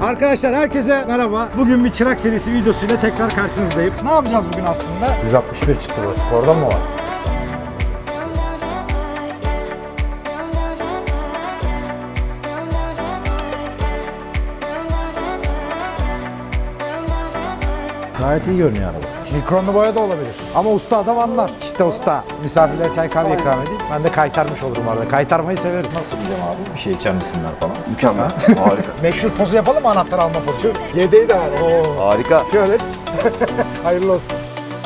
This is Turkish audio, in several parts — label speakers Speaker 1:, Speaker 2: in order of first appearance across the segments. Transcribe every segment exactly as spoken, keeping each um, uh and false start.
Speaker 1: Arkadaşlar herkese merhaba. Bugün bir çırak serisi videosuyla tekrar karşınızdayım. Ne yapacağız bugün aslında?
Speaker 2: yüz altmış bir çıktı bu. Spordan mı var? Gayet iyi görünüyor araba. Mikronlu boya da olabilir. Ama usta adam anlar. İşte usta. Misafirlere çay kahve ikram edeyim. Ben de kaytarmış olurum arada. Kaytarmayı severim. Nasıl diyeceğim abi? Bir şey içer misinler falan.
Speaker 3: Mükemmel. Harika.
Speaker 1: Meşhur pozu yapalım mı, anahtar alma pozu? Yedeği de var. Oo.
Speaker 3: Harika.
Speaker 1: Şöyle. Hayırlı olsun.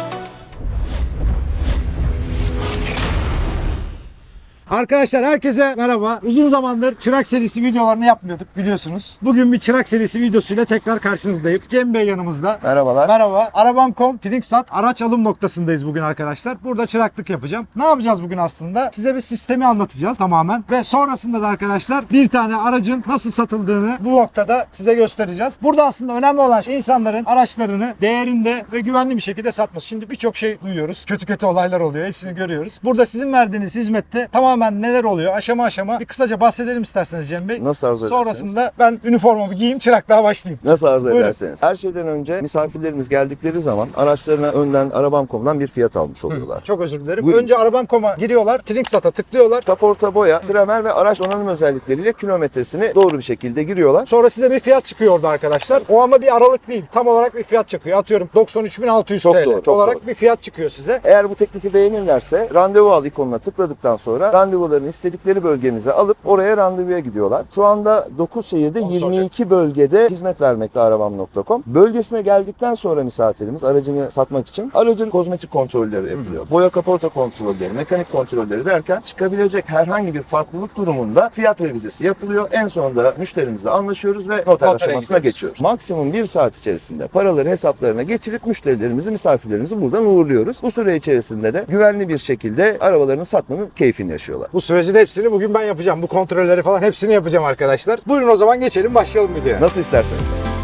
Speaker 1: Arkadaşlar herkese merhaba. Uzun zamandır çırak serisi videolarını yapmıyorduk biliyorsunuz. Bugün bir çırak serisi videosuyla tekrar karşınızdayım. Cem Bey yanımızda.
Speaker 3: Merhabalar.
Speaker 1: Merhaba. Arabam nokta com Trinksat araç alım noktasındayız bugün arkadaşlar. Burada çıraklık yapacağım. Ne yapacağız bugün aslında? Size bir sistemi anlatacağız tamamen. Ve sonrasında da arkadaşlar bir tane aracın nasıl satıldığını bu noktada size göstereceğiz. Burada aslında önemli olan şey insanların araçlarını değerinde ve güvenli bir şekilde satması. Şimdi birçok şey duyuyoruz. Kötü kötü olaylar oluyor. Hepsini görüyoruz. Burada sizin verdiğiniz hizmette tamamen neler oluyor aşama aşama bir kısaca bahsedelim isterseniz Cem Bey.
Speaker 3: Nasıl arzu ederseniz.
Speaker 1: Sonrasında ben üniformamı giyeyim, çıraklığa başlayayım.
Speaker 3: Nasıl arzu
Speaker 1: Buyurun.
Speaker 3: ederseniz. Her şeyden önce misafirlerimiz geldikleri zaman araçlarına önden arabam nokta com'dan bir fiyat almış oluyorlar.
Speaker 1: Çok özür dilerim.
Speaker 3: Buyurun.
Speaker 1: Önce arabam nokta com'a giriyorlar. Trinksat'a tıklıyorlar.
Speaker 3: Kaporta, boya, tramer ve araç donanım özellikleriyle kilometresini doğru bir şekilde giriyorlar.
Speaker 1: Sonra size bir fiyat çıkıyor orada arkadaşlar. O ama bir aralık değil. Tam olarak bir fiyat çıkıyor. Atıyorum doksan üç bin altı yüz
Speaker 3: Çok
Speaker 1: T L
Speaker 3: doğru, çok
Speaker 1: olarak
Speaker 3: doğru.
Speaker 1: bir fiyat çıkıyor size.
Speaker 3: Eğer bu teklifi beğenirlerse randevu al ikonuna tıkladıktan sonra randevularını istedikleri bölgemize alıp oraya randevuya gidiyorlar. Şu anda dokuz şehirde yirmi iki bölgede hizmet vermekte arabam nokta com. Bölgesine geldikten sonra misafirimiz aracını satmak için aracın kozmetik kontrolleri yapılıyor. Hmm. Boya kaporta kontrolleri, mekanik kontrolleri derken çıkabilecek herhangi bir farklılık durumunda fiyat revizesi yapılıyor. En sonunda müşterimizle anlaşıyoruz ve noter
Speaker 1: Notere
Speaker 3: aşamasına
Speaker 1: gidiyoruz.
Speaker 3: geçiyoruz. Maksimum bir saat içerisinde paraları hesaplarına geçirip müşterilerimizi, misafirlerimizi buradan uğurluyoruz. Bu süre içerisinde de güvenli bir şekilde arabalarını satmanın keyfini yaşıyorlar.
Speaker 1: Bu sürecin hepsini bugün ben yapacağım. Bu kontrolleri falan hepsini yapacağım arkadaşlar. Buyurun o zaman geçelim, başlayalım videoya.
Speaker 3: Nasıl isterseniz.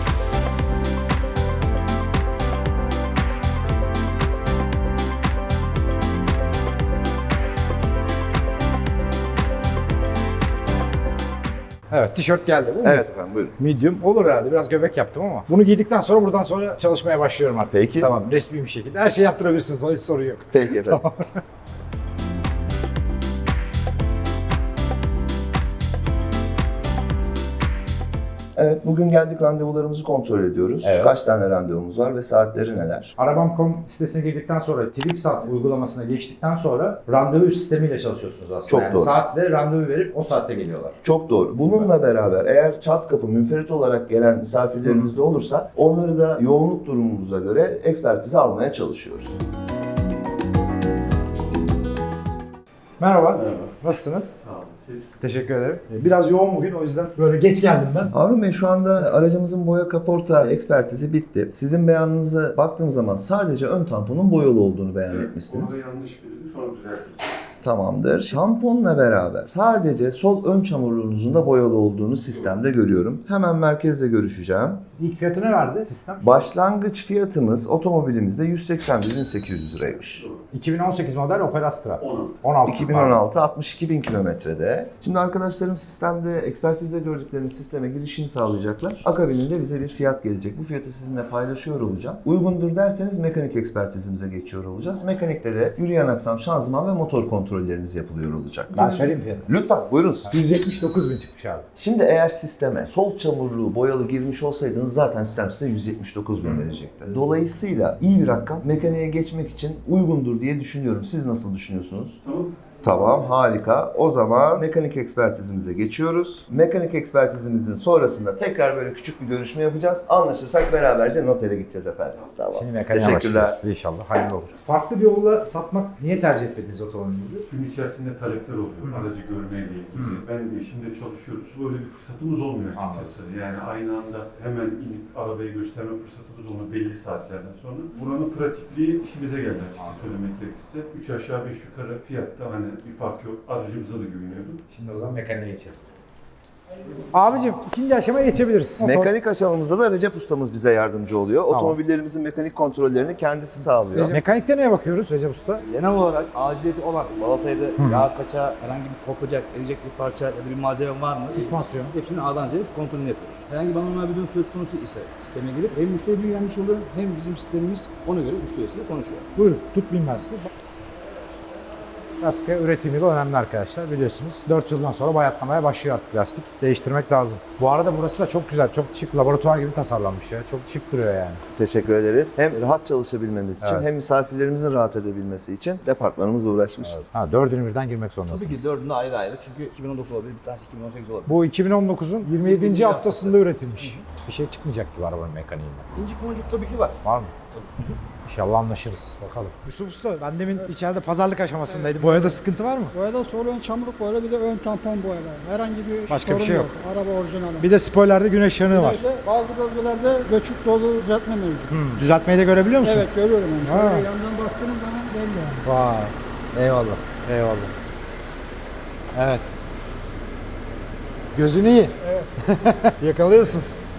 Speaker 1: Evet, tişört geldi. Bu mu?
Speaker 3: Evet efendim buyurun.
Speaker 1: Medium olur herhalde. Biraz göbek yaptım ama. Bunu giydikten sonra buradan sonra çalışmaya başlıyorum artık.
Speaker 3: Peki.
Speaker 1: Tamam, resmi bir şekilde. Her şeyi yaptırabilirsiniz. Hiç sorun yok.
Speaker 3: Peki efendim. Evet, bugün geldik randevularımızı kontrol ediyoruz.
Speaker 1: Evet.
Speaker 3: Kaç tane randevumuz var ve saatleri neler?
Speaker 2: arabam nokta com sitesine girdikten sonra Trinksat uygulamasına geçtikten sonra randevu sistemiyle çalışıyorsunuz aslında.
Speaker 3: Çok
Speaker 2: yani
Speaker 3: doğru.
Speaker 2: saatle randevu verip o saatte geliyorlar.
Speaker 3: Çok doğru. Bununla beraber eğer çat kapı münferit olarak gelen misafirlerimiz de olursa onları da yoğunluk durumumuza göre ekspertize almaya çalışıyoruz.
Speaker 1: Merhaba.
Speaker 4: Merhaba.
Speaker 1: Nasılsınız?
Speaker 4: Sağ olun. Siz?
Speaker 1: Teşekkür ederim. Biraz yoğun bugün, o yüzden böyle geç geldim ben.
Speaker 3: Harun Bey, şu anda aracımızın boya kaporta ekspertizi bitti. Sizin beyanınıza baktığım zaman sadece ön tamponun boyalı olduğunu beyan etmişsiniz.
Speaker 4: Orada yanlış bildi. Sonra düzeltiriz.
Speaker 3: Tamamdır. Şamponla beraber sadece sol ön çamurluğunuzun da boyalı olduğunu sistemde görüyorum. Hemen merkezle görüşeceğim.
Speaker 1: İlk fiyatı ne verdi sistem?
Speaker 3: Başlangıç fiyatımız otomobilimizde yüz seksen bir bin sekiz yüz liraymış.
Speaker 1: iki bin on sekiz model Opel Astra.
Speaker 4: on.
Speaker 1: on altı.
Speaker 3: iki bin on altı altmış iki bin kilometrede. Şimdi arkadaşlarım sistemde, ekspertizde gördükleriniz sisteme girişini sağlayacaklar. Akabininde bize bir fiyat gelecek. Bu fiyatı sizinle paylaşıyor olacağım. Uygundur derseniz mekanik ekspertizimize geçiyor olacağız. Mekanikte de yürüyen aksam, şanzıman ve motor kontrolleriniz yapılıyor olacak.
Speaker 1: Ben söyleyeyim fiyatı.
Speaker 3: Lütfen buyurunuz.
Speaker 1: yüz yetmiş dokuz bin çıkmış abi.
Speaker 3: Şimdi eğer sisteme sol çamurluğu boyalı girmiş olsaydınız zaten sistem size yüz yetmiş dokuz bin verecekti. Dolayısıyla iyi bir rakam, mekaniğe geçmek için uygundur diye düşünüyorum. Siz nasıl düşünüyorsunuz?
Speaker 4: Tamam.
Speaker 3: Tamam, harika. O zaman mekanik ekspertizimize geçiyoruz. Mekanik ekspertizimizin sonrasında tekrar böyle küçük bir görüşme yapacağız. Anlaşırsak beraberce notere gideceğiz efendim. Tamam.
Speaker 1: Şimdi mekaniğe
Speaker 3: Teşekkürler.
Speaker 1: başlayacağız. İnşallah hayırlı olur. Farklı bir yolla satmak, niye tercih etmediniz otomobilinizi?
Speaker 4: Gün içerisinde talepler oluyor. Aracı görmeyle ilgili. Ben de işimde çalışıyoruz. Böyle bir fırsatımız olmuyor açıkçası. Yani aynı anda hemen inip arabayı gösterme fırsatımız olmuyor belli saatlerden sonra. Buranın pratikliği işimize geldi açıkçası söylemek gerekirse. Üç aşağı beş yukarı fiyatta hani bir fark yok. Aracımıza da güveniyordum.
Speaker 1: Şimdi o zaman mekaniğe geçelim.
Speaker 2: Abicim ikinci aşamaya geçebiliriz.
Speaker 3: Mekanik aşamamızda da Recep ustamız bize yardımcı oluyor.
Speaker 2: Tamam.
Speaker 3: Otomobillerimizin mekanik kontrollerini kendisi sağlıyor.
Speaker 2: Mekanikte neye bakıyoruz Recep Usta?
Speaker 5: Genel olarak aciliyeti olan balatayı da yağ kaça, herhangi bir kopacak, edecek bir parça ya da bir malzeme var mı?
Speaker 2: Süspansiyon.
Speaker 5: Hepsini A'dan Z'ye kontrolünü yapıyoruz. Herhangi bir anormal bir durum söz konusu ise sisteme girip hem müşteri bilgilenmiş oluyor hem bizim sistemimiz ona göre müşterisiyle konuşuyor.
Speaker 2: Buyurun tutmayayım ben sizi. Lastik üretimi de önemli arkadaşlar biliyorsunuz. dört yıldan sonra bayatlamaya başlıyor artık lastik. Değiştirmek lazım. Bu arada burası da çok güzel, çok şık, laboratuvar gibi tasarlanmış ya. Çok şık duruyor yani.
Speaker 3: Teşekkür ederiz. Hem rahat çalışabilmemiz için
Speaker 2: Evet.
Speaker 3: hem misafirlerimizin rahat edebilmesi için departmanımız uğraşmış.
Speaker 2: Ha dördünü birden girmek zorundasınız.
Speaker 5: Tabii ki dördünde ayrı ayrı çünkü iki bin on dokuz olabilir, bir tanesi iki bin on sekiz olabilir.
Speaker 2: Bu iki bin on dokuzun yirmi yedinci haftasında üretilmiş. Bir şey çıkmayacak gibi arabanın mekaniğinden.
Speaker 5: İnci boncuk tabii ki var.
Speaker 2: Var mı? İnşallah anlaşırız. Bakalım. Yusuf Usta, ben demin içeride pazarlık aşamasındaydı. Boyada sıkıntı var mı?
Speaker 6: Boyada sol ön çamurluk boyalı bir de ön tampon boyalı. Herhangi bir
Speaker 2: Başka bir
Speaker 6: sorun
Speaker 2: şey yok.
Speaker 6: Araba orijinali.
Speaker 2: Bir de spoilerde güneş yanığı var.
Speaker 6: Bir de bazı bölgelerde göçük dolu düzeltme mevcut.
Speaker 2: Hmm, düzeltmeyi de görebiliyor musun?
Speaker 6: Evet görüyorum yani.
Speaker 2: Ha.
Speaker 6: Şöyle yandan baktığınız zaman belli yani.
Speaker 2: Vay. Eyvallah. Eyvallah. Evet. Gözün iyi. Evet. Yakalıyorsun.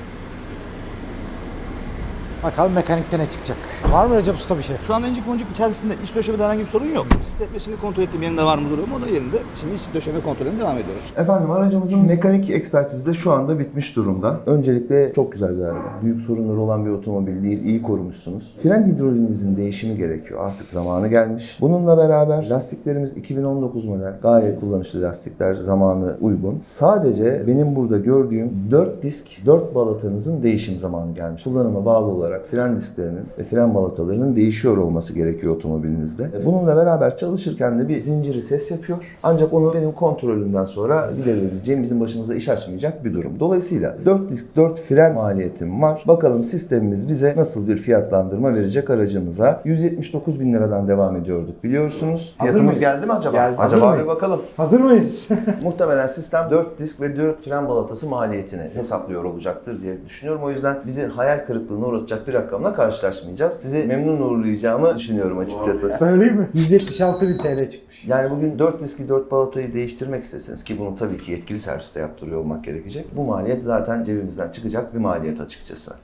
Speaker 2: Bakalım mekanikte ne çıkacak. Var mı Recep Usta bir şey?
Speaker 5: Şu anda incik boncuk içerisinde iç döşemede herhangi bir sorun yok. Sistemesini kontrol ettiğim yerinde var mı duruyor mu? O da yerinde. Şimdi iç döşeme kontrolüne devam ediyoruz.
Speaker 3: Efendim aracımızın mekanik ekspertizi de şu anda bitmiş durumda. Öncelikle çok güzel bir araba. Büyük sorunları olan bir otomobil değil, iyi korumuşsunuz. Fren hidroliğinizin değişimi gerekiyor. Artık zamanı gelmiş. Bununla beraber lastiklerimiz iki bin on dokuz model. Gayet kullanışlı lastikler, zamanı uygun. Sadece benim burada gördüğüm dört disk, dört balatanızın değişim zamanı gelmiş. Kullanıma bağlı olarak fren disklerinin ve fren balatalarının değişiyor olması gerekiyor otomobilinizde. Bununla beraber çalışırken de bir zinciri ses yapıyor. Ancak onu benim kontrolümden sonra giderebileceğim, bizim başımıza iş açmayacak bir durum. Dolayısıyla dört disk, dört fren maliyetim var. Bakalım sistemimiz bize nasıl bir fiyatlandırma verecek aracımıza. yüz yetmiş dokuz bin liradan devam ediyorduk biliyorsunuz.
Speaker 2: Hazır
Speaker 3: Fiyatımız
Speaker 2: mıyız?
Speaker 3: geldi mi acaba?
Speaker 2: Geldi. Hazır
Speaker 3: Acaba bir
Speaker 2: mıyız?
Speaker 3: bakalım.
Speaker 2: Hazır mıyız?
Speaker 3: Muhtemelen sistem dört disk ve dört fren balatası maliyetini hesaplıyor olacaktır diye düşünüyorum. O yüzden bizi hayal kırıklığına uğratacak bir rakamla karşılaşmayacağız. Sizi memnun uğurlayacağımı düşünüyorum açıkçası.
Speaker 2: Söyleyeyim mi? yüz yetmiş altı bin T L çıkmış.
Speaker 3: Yani bugün dört diski dört balatayı değiştirmek isteseniz ki bunu tabii ki yetkili serviste yaptırıyor olmak gerekecek. Bu maliyet zaten cebimizden çıkacak bir maliyet açıkçası.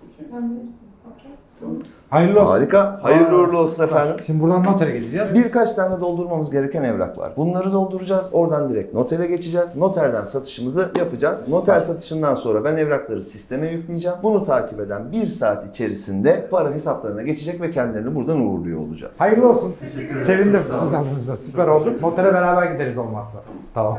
Speaker 2: Hayırlı olsun.
Speaker 3: Harika. Hayırlı uğurlu olsun efendim.
Speaker 2: Şimdi buradan notere gideceğiz.
Speaker 3: Birkaç tane doldurmamız gereken evrak var. Bunları dolduracağız. Oradan direkt notere geçeceğiz. Noterden satışımızı yapacağız. Noter satışından sonra ben evrakları sisteme yükleyeceğim. Bunu takip eden bir saat içerisinde para hesaplarına geçecek ve kendilerini buradan uğurluyor olacağız.
Speaker 2: Hayırlı olsun. Sevindim sizin adınıza. Süper oldu. Notere beraber gideriz olmazsa. Tamam.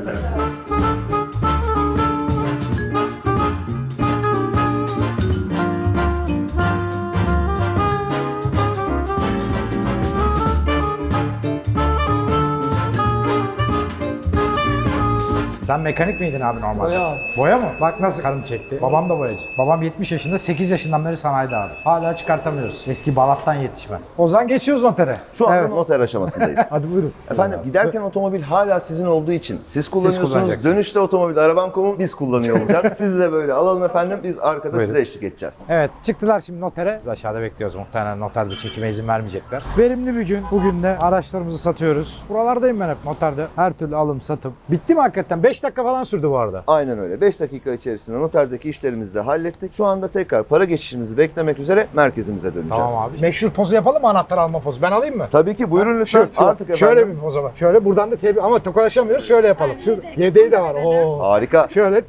Speaker 2: Sen mekanik miydin abi normalde?
Speaker 6: Boya abi.
Speaker 2: Boya mı? Bak nasıl karım çekti. Babam da boyacı. Babam yetmiş yaşında, sekiz yaşından beri sanayide abi. Hala çıkartamıyoruz. Eski Balat'tan yetişme. O zaman geçiyoruz notere.
Speaker 3: Şu anda
Speaker 2: Evet.
Speaker 3: noter aşamasındayız.
Speaker 2: Hadi buyurun.
Speaker 3: Efendim giderken otomobil hala sizin olduğu için siz kullanıyorsunuz.
Speaker 2: kullanacaksınız.
Speaker 3: Dönüşte otomobil arabam nokta com'u biz kullanıyor olacağız. Sizi de böyle alalım efendim. Biz arkada
Speaker 2: Buyurun.
Speaker 3: size eşlik edeceğiz.
Speaker 2: Evet, çıktılar şimdi notere. Biz aşağıda bekliyoruz. Muhtemelen noterde çekime izin vermeyecekler. Verimli bir gün. Bugün de araçlarımızı satıyoruz. Buralardayım ben hep noterde. Her türlü alım, satım. Bitti mi hakikaten? beş dakika falan sürdü bu arada.
Speaker 3: Aynen öyle. beş dakika içerisinde noterdeki işlerimizi de hallettik. Şu anda tekrar para geçişimizi beklemek üzere merkezimize döneceğiz.
Speaker 2: Tamam abi. Meşhur pozu yapalım mı? Anahtar alma pozu. Ben alayım mı?
Speaker 3: Tabii ki buyurun lütfen.
Speaker 2: Şu, şu.
Speaker 3: Artık efendim.
Speaker 2: Şöyle bir poz ama. Şöyle buradan da tebi ama tokalaşamıyoruz. Şöyle yapalım. Şu yedeği de var. Oo.
Speaker 3: Harika.
Speaker 2: Şöyle.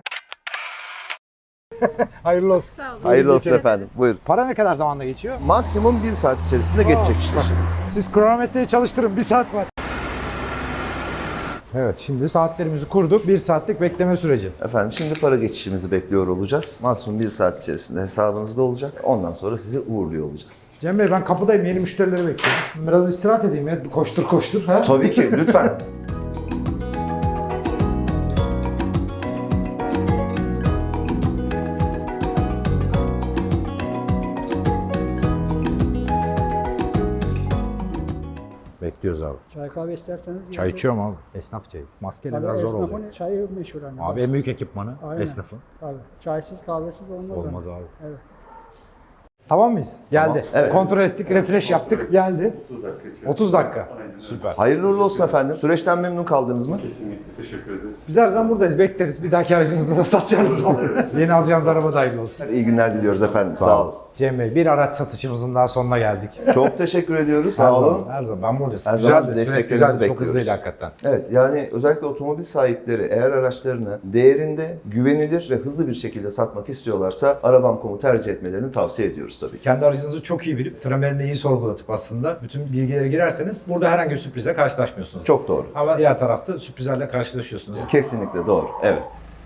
Speaker 2: Hayırlı olsun.
Speaker 3: Hayırlı olsun efendim. Buyurun.
Speaker 2: Para ne kadar zamanda geçiyor?
Speaker 3: Maksimum bir saat içerisinde geçecek işte.
Speaker 2: Siz kronometreyi çalıştırın. Bir saat var. Evet, şimdi saatlerimizi kurduk. Bir saatlik bekleme süreci.
Speaker 3: Efendim şimdi para geçişimizi bekliyor olacağız. Maksimum bir saat içerisinde hesabınızda olacak. Ondan sonra sizi uğurluyor olacağız.
Speaker 2: Cem Bey ben kapıdayım. Yeni müşterileri bekliyorum. Biraz istirahat edeyim ya. Koştur koştur. Ha?
Speaker 3: Tabii ki lütfen.
Speaker 2: Bekliyoruz abi.
Speaker 6: Çay kahve isterseniz.
Speaker 2: Çay içiyorum abi. Esnaf çayı. Maskeyle
Speaker 6: Tabii
Speaker 2: biraz zor oluyor.
Speaker 6: esnafın çayı meşhur hani.
Speaker 2: Abi en büyük ekipmanı
Speaker 6: Aynen.
Speaker 2: esnafın.
Speaker 6: Tabii. Çaysız kahvesiz olmaz.
Speaker 2: Olmaz
Speaker 6: hani.
Speaker 2: abi.
Speaker 6: Evet.
Speaker 2: Tamam mıyız? Geldi.
Speaker 3: Evet.
Speaker 2: Kontrol ettik, refresh yaptık. Geldi.
Speaker 4: otuz dakika içerisinde.
Speaker 2: otuz dakika.
Speaker 4: Aynen öyle.
Speaker 2: Süper.
Speaker 3: Hayırlı uğurlu olsun efendim. Süreçten memnun kaldınız mı?
Speaker 4: Kesinlikle teşekkür ederiz.
Speaker 2: Biz her zaman buradayız, bekleriz. Bir dahaki aracınızda da satacağınız olur. Yeni alacağınız araba da hayırlı olsun.
Speaker 3: İyi günler diliyoruz efendim. Sağ olun.
Speaker 2: Cem Bey, bir araç satışımızın daha sonuna geldik.
Speaker 3: Çok teşekkür ediyoruz.
Speaker 2: Her
Speaker 3: Sağ olun.
Speaker 2: zaman, her zaman. Ben buradayım.
Speaker 3: Her zaman
Speaker 2: Güzeldi, süreç
Speaker 3: desteklerinizi
Speaker 2: güzeldi. Çok
Speaker 3: bekliyoruz.
Speaker 2: hızlıydı hakikaten.
Speaker 3: Evet, yani özellikle otomobil sahipleri eğer araçlarını değerinde, güvenilir ve hızlı bir şekilde satmak istiyorlarsa Arabam nokta com'u tercih etmelerini tavsiye ediyoruz tabii ki.
Speaker 2: Kendi aracınızı çok iyi bilip, tramerini iyi sorgulatıp aslında bütün bilgilere girerseniz burada herhangi bir sürprize karşılaşmıyorsunuz.
Speaker 3: Çok doğru.
Speaker 2: Ama diğer tarafta sürprizlerle karşılaşıyorsunuz.
Speaker 3: Kesinlikle doğru. Evet.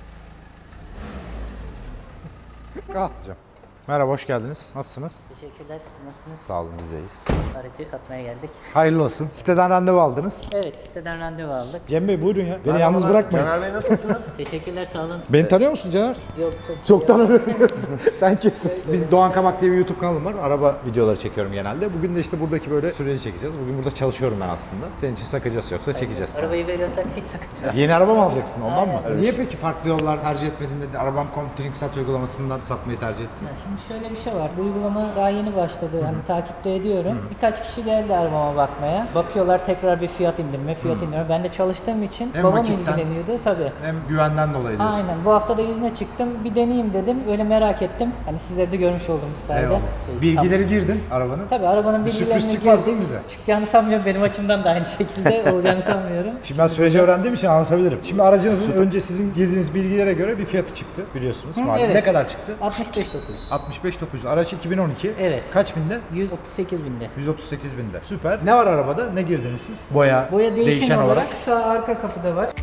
Speaker 2: Hocam. Merhaba, hoş geldiniz. Nasılsınız?
Speaker 7: Teşekkürler. Siz nasılsınız?
Speaker 2: Sağ olun, bizdeyiz.
Speaker 7: Aracı satmaya geldik.
Speaker 2: Hayırlı olsun. Siteden randevu aldınız.
Speaker 7: Evet, siteden randevu aldık.
Speaker 2: Cem Bey buyurun ya. Beni yalnız bırakmayın.
Speaker 3: Caner Bey nasılsınız?
Speaker 7: Teşekkürler, sağ olun.
Speaker 2: Beni tanıyor musun Caner?
Speaker 7: Yok, çok
Speaker 2: Çok tanımıyoruz. Sen kesin. Biz Doğan Kabak diye bir YouTube kanalım var. Araba videoları çekiyorum genelde. Bugün de işte buradaki böyle süreci çekeceğiz. Bugün burada çalışıyorum ben aslında. Senin için sakıncası yoksa çekeceğiz.
Speaker 7: Arabayı veriyorsak hiç sakınca yok.
Speaker 2: Yeni araba mı alacaksın ondan mı?
Speaker 7: Aynen.
Speaker 2: Niye peki farklı yollar tercih etmedin de Arabam nokta com Trinksat uygulamasından satmayı tercih ettin?
Speaker 7: Ya şimdi şöyle bir şey var. Bu uygulama daha yeni başladı. Hani takipte ediyorum. Birkaç kişi geldi arabama bakmaya. Bakıyorlar tekrar bir fiyat indirme, fiyat indirme. Ben de çalıştığım için
Speaker 2: Hem
Speaker 7: babam
Speaker 2: vakitten-
Speaker 7: ilgileniyordu tabii.
Speaker 2: Hem güvenden dolayı diyorsun.
Speaker 7: Aynen. Bu hafta da izne çıktım. Bir deneyeyim dedim. Öyle merak ettim. Hani sizleri de görmüş oldum bu sayede.
Speaker 2: Eyvallah.
Speaker 7: Şey,
Speaker 2: Bilgileri girdin arabanın.
Speaker 7: Tabii arabanın
Speaker 2: Bir sürpriz
Speaker 7: bilgilerini
Speaker 2: çıkmaz
Speaker 7: girdik.
Speaker 2: değil mi bize?
Speaker 7: Çıkacağını sanmıyorum. Benim açımdan da aynı şekilde olacağını sanmıyorum.
Speaker 2: Şimdi ben süreci öğrendiğim için anlatabilirim. Şimdi aracınızın önce sizin girdiğiniz bilgilere göre bir fiyatı çıktı biliyorsunuz. malum.
Speaker 7: evet.
Speaker 2: Ne kadar çıktı?
Speaker 7: altmış beş dokuz.
Speaker 2: altmış beş dokuz. Araç iki bin on iki.
Speaker 7: Evet.
Speaker 2: Kaç binde?
Speaker 7: yüz otuz sekiz binde.
Speaker 2: yüz otuz sekiz binde. Süper. Ne var arabada? Ne girdiniz siz? Boya,
Speaker 7: Boya değişen,
Speaker 2: değişen
Speaker 7: olarak,
Speaker 2: olarak.
Speaker 7: sağ arka kapıda var.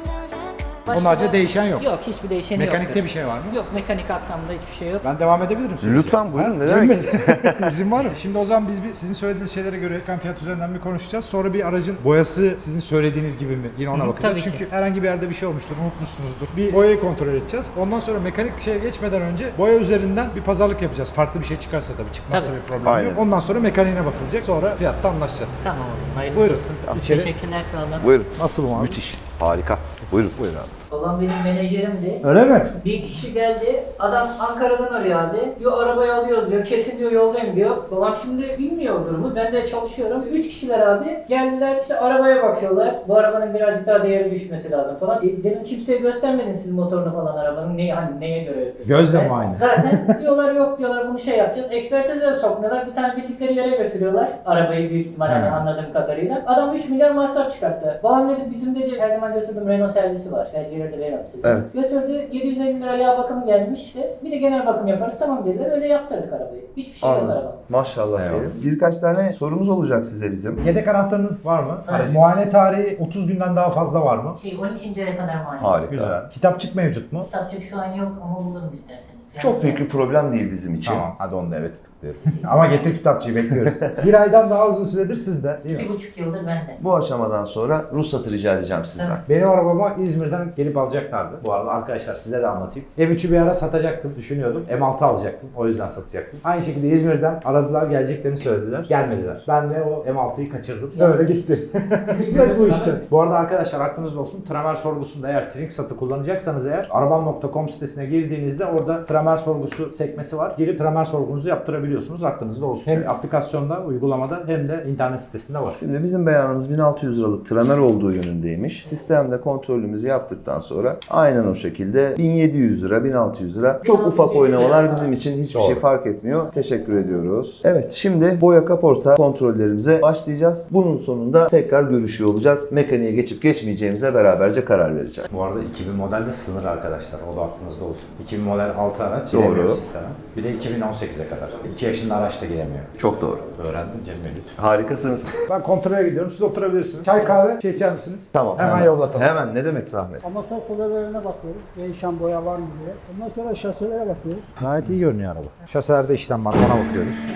Speaker 7: Başka
Speaker 2: Onlarca
Speaker 7: da-
Speaker 2: değişen yok.
Speaker 7: Yok, hiçbir değişeni yok.
Speaker 2: Mekanikte bir şey var mı?
Speaker 7: Yok, mekanik aksamda hiçbir şey yok.
Speaker 2: Ben devam edebilirim sürece.
Speaker 3: Lütfen buyurun. Ne
Speaker 2: Cem
Speaker 3: demek?
Speaker 2: Bey, İzin var mı? Şimdi o zaman biz bir, sizin söylediğiniz şeylere göre ekran fiyat üzerinden bir konuşacağız. Sonra bir aracın boyası sizin söylediğiniz gibi mi? Yine ona bakacağız.
Speaker 7: tabii ki.
Speaker 2: Çünkü herhangi bir yerde bir şey olmuştur, unutmuşsunuzdur. Bir boyayı kontrol edeceğiz. Ondan sonra mekanik şeye geçmeden önce boya üzerinden bir pazarlık yapacağız. Farklı bir şey çıkarsa tabii, çıkmazsa
Speaker 7: Tabii.
Speaker 2: bir problem
Speaker 3: Aynen.
Speaker 2: yok. Ondan sonra mekaniğine bakılacak. Sonra fiyatta anlaşacağız.
Speaker 7: Tamam oğlum, hayırlısı
Speaker 2: Buyurun,
Speaker 7: olsun.
Speaker 2: içeri.
Speaker 7: Teşekkürler, sağ olun.
Speaker 3: Buyurun.
Speaker 2: Nasıl abi?
Speaker 3: Müthiş. Harika. Buyurun. Buyurun abi.
Speaker 7: Babam benim menajerimdi.
Speaker 2: Öyle mi?
Speaker 7: Bir kişi geldi, adam Ankara'dan arıyor abi. Diyor arabayı alıyoruz diyor, kesin diyor yoldayım diyor. Babam şimdi bilmiyor durumu, ben de çalışıyorum. Üç kişiler abi geldiler, işte arabaya bakıyorlar. Bu arabanın birazcık daha değeri düşmesi lazım falan. E, dedim kimseye göstermedin siz motorunu falan arabanın, ne, hani neye göre yapıyorsunuz?
Speaker 2: Gözle
Speaker 7: Ben-
Speaker 2: muayene.
Speaker 7: Zaten diyorlar yok diyorlar, bunu şey yapacağız. Ekspertize de sokmuyorlar, bir tane bildikleri yere götürüyorlar. Arabayı büyük ihtimalle
Speaker 2: He.
Speaker 7: anladığım kadarıyla. Adam üç milyar masraf çıkarttı. Babam dedi bizim dedi her zaman götürdüğüm Renault servisi var. Belgeleri de veririm size.
Speaker 3: Evet.
Speaker 7: Götürdü, yedi yüz elli lira yağ bakımı gelmişti. Bir de genel bakım yaparız, tamam dediler. Öyle yaptırdık arabayı. Hiçbir şey yok
Speaker 3: Anladım.
Speaker 7: araba.
Speaker 3: Maşallah diyelim. Birkaç tane sorumuz olacak size bizim.
Speaker 2: Yedek anahtarınız var mı?
Speaker 7: Evet.
Speaker 2: Muayene tarihi otuz günden daha fazla var mı?
Speaker 7: Şey on ikinci aya kadar muayene.
Speaker 3: Harika.
Speaker 2: Güzel. Kitapçık mevcut mu?
Speaker 7: Kitapçık şu an yok ama bulurum isterseniz. Yani
Speaker 3: Çok büyük bir problem değil bizim için.
Speaker 2: Tamam, hadi onu da evet tıklıyorum. Ama getir kitapçıyı, bekliyoruz. Bir aydan daha uzun süredir sizde değil mi?
Speaker 7: İki buçuk yıldır bende.
Speaker 3: Bu aşamadan sonra ruhsatı rica edeceğim sizden.
Speaker 2: Benim arabama İzmir'den gelip alacaklardı. Bu arada arkadaşlar size de anlatayım. M üçü bir ara satacaktım, düşünüyordum. M altı alacaktım, o yüzden satacaktım. Aynı şekilde İzmir'den aradılar, geleceklerini söylediler. Gelmediler. Ben de o M altıyı kaçırdım. Böyle gitti. Kısmet bu işte. Bu arada arkadaşlar aklınızda olsun, Tramer sorgusunda eğer Trinksat'ı kullanacaksanız eğer Arabam nokta com sitesine girdiğinizde orada Tramer sorgusu sekmesi var. Girip Tramer sorgunuzu yaptırabiliyorsunuz. Aklınızda olsun. Hem aplikasyonda, uygulamada hem de internet sitesinde var.
Speaker 3: Şimdi bizim beyanımız bin altı yüz liralık tramer olduğu yönündeymiş. Sistemde kontrolümüzü yaptıktan sonra aynen o şekilde bin yedi yüz lira, bin altı yüz lira. Çok ufak oynamalar bizim için hiçbir şey fark etmiyor. Teşekkür ediyoruz. Evet, şimdi boya kaporta kontrollerimize başlayacağız. Bunun sonunda tekrar görüşüyor olacağız. Mekaniğe geçip geçmeyeceğimize beraberce karar vereceğiz.
Speaker 2: Bu arada iki bin modelde sınır arkadaşlar. O da aklınızda olsun. iki bin model altı araç
Speaker 3: Doğru.
Speaker 2: giremiyor sisteme. Bir de iki bin on sekize kadar. iki yaşında araç da giremiyor.
Speaker 3: Çok doğru.
Speaker 2: Öğrendim Cem Bey lütfen.
Speaker 3: Harikasınız.
Speaker 2: Ben kontrole gidiyorum. Siz oturabilirsiniz. Çay kahve şey içer misiniz?
Speaker 3: Tamam.
Speaker 2: Hemen, yollatalım.
Speaker 3: Hemen, ne demek zahmet.
Speaker 6: Amasör kulellerine bakıyoruz. Değişen boya var mı diye. Ondan sonra şaselere bakıyoruz.
Speaker 2: Gayet iyi görünüyor araba. Şaselerde işlem var. Ona bakıyoruz.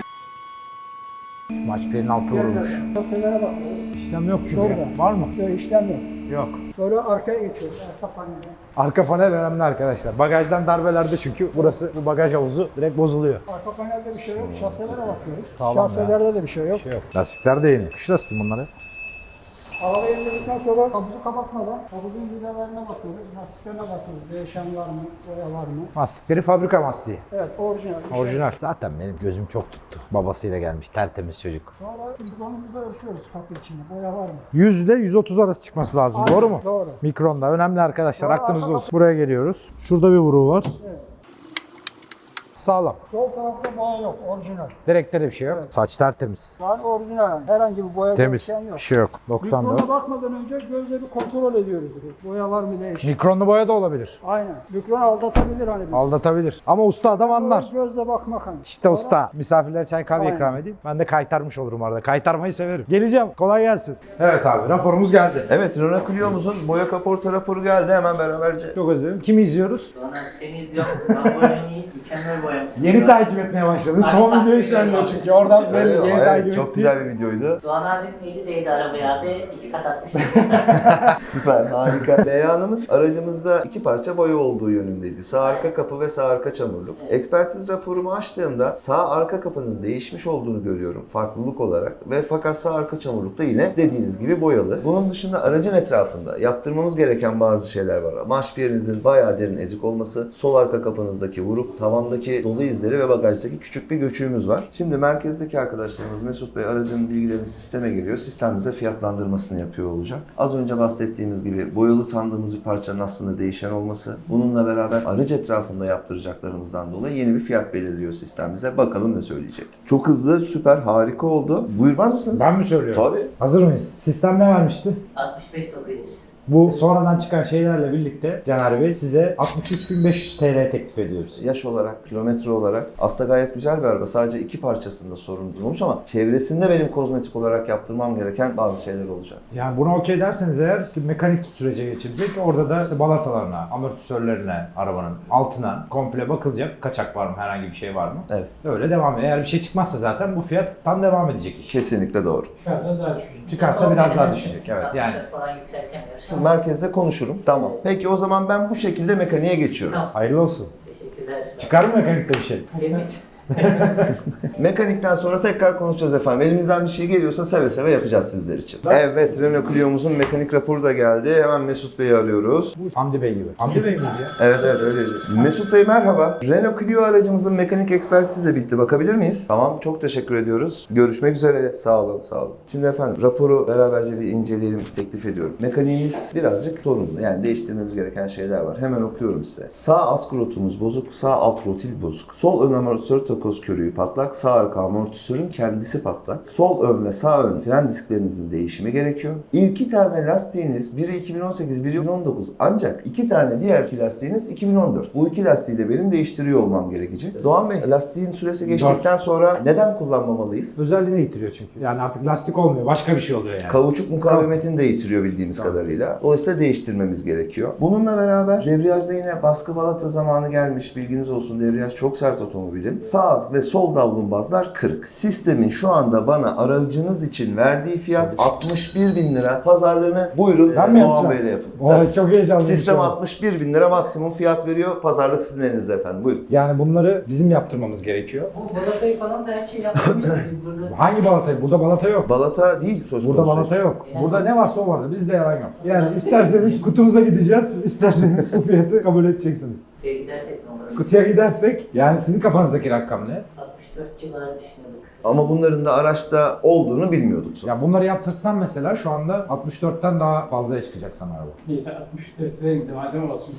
Speaker 2: Maç birinin altı vurulmuş.
Speaker 6: Şaselere bakıyoruz.
Speaker 2: İşlem yok çünkü.
Speaker 6: Şurada.
Speaker 2: Var mı?
Speaker 6: Böyle işlem yok.
Speaker 2: Yok.
Speaker 6: Sonra arkaya geçiyoruz. Arka panele.
Speaker 2: Arka panel önemli arkadaşlar. Bagajdan darbelerde çünkü burası bu bagaj havuzu direkt bozuluyor.
Speaker 6: Arka panelde bir şey yok. Şaselere bakıyoruz.
Speaker 2: Sağlam
Speaker 6: Şaselerde de bir şey yok.
Speaker 2: Bir şey yok. Lastikler de yeni. Kış lastiği bunları.
Speaker 6: Arabayı indirdikten sonra kaputu kapatmadan kaputun vidalarına bakıyoruz. Lastiklerine bakıyoruz. Değişen var mı? Boya var mı?
Speaker 2: Lastikleri fabrika lastiği.
Speaker 6: Evet, orijinal.
Speaker 2: Orijinal. Zaten benim gözüm çok tuttu. Babasıyla gelmiş tertemiz çocuk.
Speaker 6: Sonra mikronumuzu ölçüyoruz kapı içinde. Boya var mı?
Speaker 2: yüz ile yüz otuz arası çıkması lazım.
Speaker 6: Aynen,
Speaker 2: Doğru mu?
Speaker 6: doğru.
Speaker 2: Mikronda. Önemli arkadaşlar.
Speaker 6: Doğru,
Speaker 2: Aklınızda
Speaker 6: arka
Speaker 2: olsun. Buraya geliyoruz. Şurada bir vuruğu var.
Speaker 6: Evet.
Speaker 2: Sağlam.
Speaker 6: Sol tarafta boya yok. Orijinal.
Speaker 2: Direkte de bir şey yok. Saç tertemiz.
Speaker 6: Yani orijinal yani. Herhangi bir boya
Speaker 2: Temiz.
Speaker 6: değişen yok.
Speaker 2: Bir şey yok. doksan dört.
Speaker 6: Mikrona bakmadan önce gözle bir kontrol ediyoruz. Boya var mı değişen.
Speaker 2: Mikronlu boya da olabilir.
Speaker 6: Aynen. Mikron aldatabilir hani bizi.
Speaker 2: Aldatabilir. Ama usta adam anlar.
Speaker 6: Gözle bakmak hani.
Speaker 2: İşte usta. Misafirlere çay kahve
Speaker 6: Aynen.
Speaker 2: ikram edeyim. Ben de kaytarmış olurum arada. Kaytarmayı severim. Geleceğim. Kolay gelsin. Evet abi raporumuz geldi.
Speaker 3: Evet, Renault Clio'muzun boya kaporta raporu geldi. Hemen beraberce.
Speaker 2: Çok özledim. Kimi izliyoruz?
Speaker 7: Doğan abi seni izliyorum. Lamborghini'yi mükemmel boyamışsın.
Speaker 2: Yeni takip etmeye başladın. Son videoyu söylüyor çünkü. Oradan belli.
Speaker 3: Evet,
Speaker 2: Yeni
Speaker 3: evet,
Speaker 2: takip
Speaker 3: çok
Speaker 2: ettiği-
Speaker 3: güzel bir videoydu.
Speaker 7: Doğan abinin eli değdi arabaya abi. iki kat atmıştı.
Speaker 3: Süper, harika. Beyanımız aracımızda iki parça boya olduğu yönündeydi. Sağ arka kapı ve sağ arka çamurluk. Ekspertiz raporumu açtığımda sağ arka kapının değişmiş olduğunu görüyorum farklılık olarak ve fakat sağ arka çamurluk da yine dediğiniz gibi boyalı. Bunun dışında aracın etrafında yaptırmamız gereken bazı şeyler var. Marşpiyerinizin bayağı derin ezik olması, sol arka kapınızdaki vurup tavandaki dolu izleri ve bagajdaki küçük bir göçüğümüz var. Şimdi merkezdeki arkadaşlarımız Mesut Bey aracın bilgilerini sisteme giriyor. Sistem bize fiyatlandırmasını yapıyor olacak. Az önce bahsettiğimiz gibi boyalı sandığımız bir parçanın aslında değişen olması. Bununla beraber aracı etrafında yaptıracaklarımızdan dolayı yeni bir fiyat belirliyor sistem bize. Bakalım ne söyleyecek. Çok hızlı, süper, harika oldu. Buyurmaz mısınız?
Speaker 2: Ben mi söylüyorum?
Speaker 3: Tabii.
Speaker 2: Hazır mıyız? Sistem ne vermişti?
Speaker 7: altmış beş dokuz yüz.
Speaker 2: Bu sonradan çıkan şeylerle birlikte Caner Bey size altmış üç bin beş yüz T L teklif ediyoruz.
Speaker 3: Yaş olarak, kilometre olarak aslında gayet güzel bir araba. Sadece iki parçasında sorun olmuş ama çevresinde benim kozmetik olarak yaptırmam gereken bazı şeyler olacak.
Speaker 2: Yani buna okey derseniz eğer işte mekanik sürece geçilecek. Orada da işte balatalarına, amortisörlerine, arabanın altına komple bakılacak. Kaçak var mı, herhangi bir şey var mı?
Speaker 3: Evet.
Speaker 2: Öyle devam ediyor. Eğer bir şey çıkmazsa zaten bu fiyat tam devam edecek iş.
Speaker 3: Kesinlikle doğru.
Speaker 2: Çıkarsa biraz daha düşecek. Evet yani.
Speaker 7: altmışlar falan yükseltemiyoruz.
Speaker 3: Şimdi merkezde konuşurum. Tamam. Peki o zaman ben bu şekilde mekaniğe geçiyorum.
Speaker 7: Tamam.
Speaker 2: Hayırlı olsun.
Speaker 7: Teşekkürler.
Speaker 2: Çıkar mı mekanikte bir şey?
Speaker 7: Temiz.
Speaker 3: Mekanikten sonra tekrar konuşacağız efendim. Elimizden bir şey geliyorsa seve seve yapacağız sizler için. Evet, Renault Clio'muzun mekanik raporu da geldi. Hemen Mesut Bey'i arıyoruz.
Speaker 2: Hamdi Bey gibi. Hamdi Bey miydi ya?
Speaker 3: Evet evet öyleydi. Mesut Bey merhaba. Renault Clio aracımızın mekanik ekspertizi de bitti. Bakabilir miyiz? Tamam, çok teşekkür ediyoruz. Görüşmek üzere. Sağ olun, sağ olun. Şimdi efendim raporu beraberce bir inceleyelim teklif ediyorum. Mekaniğimiz birazcık sorunlu. Yani değiştirmemiz gereken şeyler var. Hemen okuyorum size. Sağ askrotumuz bozuk, sağ alt rotil bozuk. Sol ön amortisör takoz körüğü patlak, sağ arka amortisörün kendisi patlak. Sol ön ve sağ ön fren disklerinizin değişimi gerekiyor. İki tane lastiğiniz, biri iki bin on sekiz, biri iki bin on dokuz. Ancak iki tane diğer iki lastiğiniz iki bin on dört. Bu iki lastiği de benim değiştiriyor olmam gerekecek. Doğan Bey, lastiğin süresi geçtikten sonra neden kullanmamalıyız?
Speaker 2: Özelliğini yitiriyor çünkü. Yani artık lastik olmuyor. Başka bir şey oluyor yani.
Speaker 3: Kauçuk mukavemetini de yitiriyor bildiğimiz
Speaker 2: Tamam.
Speaker 3: kadarıyla. Dolayısıyla değiştirmemiz gerekiyor. Bununla beraber debriyajda yine baskı balata zamanı gelmiş. Bilginiz olsun, debriyaj çok sert otomobilin. Sağ ve sol davlumbazlar kırık. Sistemin şu anda bana aracınız için verdiği fiyat altmış bir bin lira. Pazarlığını buyurun
Speaker 2: Ben mi
Speaker 3: Doğan
Speaker 2: yapacağım?
Speaker 3: Bey'le yapın.
Speaker 2: Oy,
Speaker 3: Tabii.
Speaker 2: çok heyecanlı.
Speaker 3: Sistem altmış bir bin lira maksimum fiyat veriyor. Pazarlık sizin elinizde efendim. Buyurun.
Speaker 2: Yani bunları bizim yaptırmamız gerekiyor.
Speaker 7: Bu balatayı falan da her şeyi yaptırmıştık biz burada.
Speaker 2: Hangi balatayı? Burada balata yok.
Speaker 3: Balata değil söz konusu.
Speaker 2: Burada balata yok. Burada ne varsa o vardı. Bizde yalan yok. Yani isterseniz kutunuza gideceğiz, isterseniz bu fiyatı kabul edeceksiniz.
Speaker 7: Kutuya gidersek ne olur?
Speaker 2: Kutuya gidersek, yani sizin kafanızdaki rakam ne?
Speaker 7: altmış dört civarı düşünüyorduk.
Speaker 3: Ama bunların da araçta olduğunu bilmiyorduk sonra.
Speaker 2: Ya bunları yaptırsan mesela şu anda altmış dörtten daha fazlaya çıkacak sana araba.
Speaker 6: altmış dört liraya gitti. Madem olsun.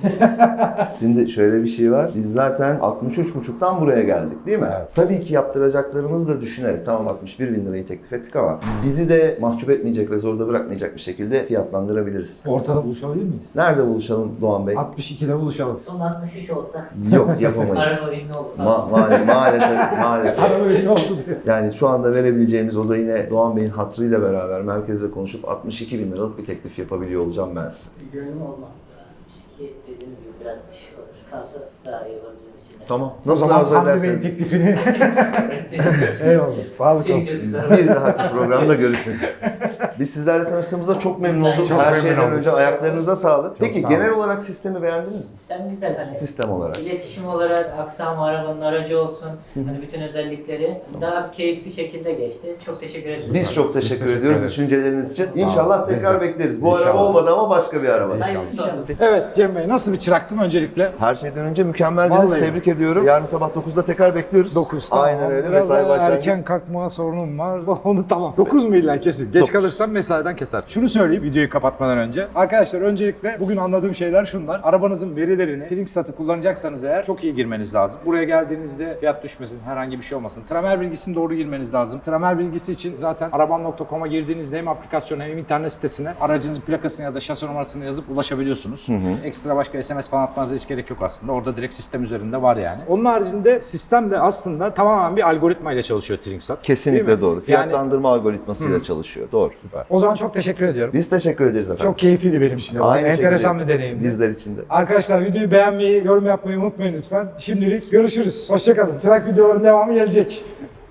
Speaker 3: Şimdi şöyle bir şey var. Biz zaten altmış üç buçuktan buraya geldik değil mi?
Speaker 2: Evet.
Speaker 3: Tabii ki yaptıracaklarımızı da düşünerek tamam altmış bir bin lirayı teklif ettik ama bizi de mahcup etmeyecek ve zorda bırakmayacak bir şekilde fiyatlandırabiliriz.
Speaker 2: Ortada buluşabilir miyiz?
Speaker 3: Nerede buluşalım Doğan Bey?
Speaker 2: altmış ikide buluşalım.
Speaker 7: Son altmış üç olsa
Speaker 3: Yok yapamayız.
Speaker 7: araba ünlü oldu.
Speaker 3: Ma ma maalesef maalesef.
Speaker 2: Araba ne oldu diyor.
Speaker 3: Yani şu anda verebileceğimiz o da yine Doğan Bey'in hatırıyla beraber merkezde konuşup altmış iki bin liralık bir teklif yapabiliyor olacağım ben size.
Speaker 6: Gönlüm olmaz.
Speaker 7: altmış iki dediğiniz gibi biraz düşük olur. Kalsa daha iyi olur bizim için. de.
Speaker 3: Tamam.
Speaker 2: O
Speaker 3: Nasıl
Speaker 2: zaman
Speaker 3: arzu
Speaker 2: Hamdi Bey'in
Speaker 3: ederseniz.
Speaker 2: teklifini eyvallah. Sağlık olsun.
Speaker 3: Bir dahaki programda görüşmek üzere. Biz sizlerle tanıştığımızda çok memnun olduk.
Speaker 7: Çok
Speaker 3: Her
Speaker 2: memnun
Speaker 3: şeyden
Speaker 2: olduk.
Speaker 3: önce ayaklarınıza sağlık. Peki
Speaker 2: sağ
Speaker 3: genel
Speaker 2: olun.
Speaker 3: olarak sistemi beğendiniz mi?
Speaker 7: Sistem güzel hani.
Speaker 3: Sistem olarak.
Speaker 7: İletişim olarak aksam arabanın aracı olsun. Hani bütün özellikleri daha keyifli şekilde geçti. Çok teşekkür ederim.
Speaker 3: Biz çok teşekkür,
Speaker 2: teşekkür
Speaker 3: ediyoruz
Speaker 2: ederiz.
Speaker 3: düşünceleriniz için. İnşallah
Speaker 2: Biz
Speaker 3: tekrar
Speaker 2: de.
Speaker 3: bekleriz. Bu
Speaker 2: İnşallah.
Speaker 3: araba olmadı ama başka bir araba.
Speaker 7: Hayırlısı olsun.
Speaker 1: Evet Cem Bey, nasıl bir çıraktım öncelikle?
Speaker 3: Her şeyden önce mükemmeldiniz.
Speaker 1: Vallahi.
Speaker 3: Tebrik ediyorum. Yarın sabah dokuzda tekrar bekliyoruz.
Speaker 1: dokuz.
Speaker 3: Aynen öyle.
Speaker 1: Biraz
Speaker 3: Mesai
Speaker 1: daha
Speaker 3: başlangıç.
Speaker 1: erken kalkma sorunum var. Onu tamam. dokuz mu illa kesin? Geç
Speaker 3: Dokuz.
Speaker 1: kalırsam mesaiden kesersin. Şunu söyleyeyim videoyu kapatmadan önce. Arkadaşlar öncelikle bugün anladığım şeyler şunlar. Arabanızın verilerini Trinksat'ı kullanacaksanız eğer çok iyi girmeniz lazım. Buraya geldiğinizde fiyat düşmesin, herhangi bir şey olmasın. Tramer bilgisini doğru girmeniz lazım. Tramer bilgisi için zaten arabam nokta com'a girdiğinizde hem aplikasyona hem internet sitesine aracınızın plakasını ya da şasi numarasını yazıp ulaşabiliyorsunuz. Ekstra başka S M S falan atmanıza hiç gerek yok aslında. Orada direkt sistem üzerinde var yani. Onun haricinde sistem de aslında tamamen bir algoritma ile çalışıyor Trinksat. Değil
Speaker 3: Kesinlikle
Speaker 1: mi?
Speaker 3: doğru.
Speaker 1: Yani
Speaker 3: Fiyatlandırma algoritmasıyla çalışıyor. Doğru. Süper.
Speaker 1: o zaman çok teşekkür ediyorum.
Speaker 3: Biz teşekkür ederiz efendim.
Speaker 1: Çok keyifliydi benim için.
Speaker 3: Aynı
Speaker 1: Enteresan
Speaker 3: şekilde
Speaker 1: bir deneyimdi.
Speaker 3: Bizler için de.
Speaker 1: Arkadaşlar videoyu beğenmeyi, yorum yapmayı unutmayın lütfen. Şimdilik görüşürüz. Hoşçakalın. Çırak videoların devamı gelecek.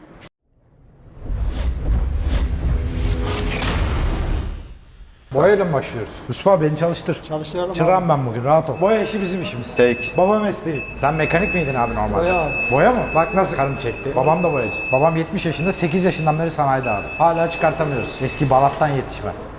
Speaker 1: Boyayla mı başlıyoruz?
Speaker 2: Mustafa beni çalıştır.
Speaker 6: Çalıştıralım
Speaker 2: Çırağım ben bugün, rahat ol.
Speaker 1: Boya işi bizim işimiz.
Speaker 3: Peki.
Speaker 1: Baba mesleği.
Speaker 2: Sen mekanik miydin abi normalde?
Speaker 6: Boya abi.
Speaker 2: Boya mı? Bak nasıl karım çekti. Babam da boyacı. Babam yetmiş yaşında, sekiz yaşından beri sanayide abi. Hala çıkartamıyoruz. Eski Balat'tan yetişme.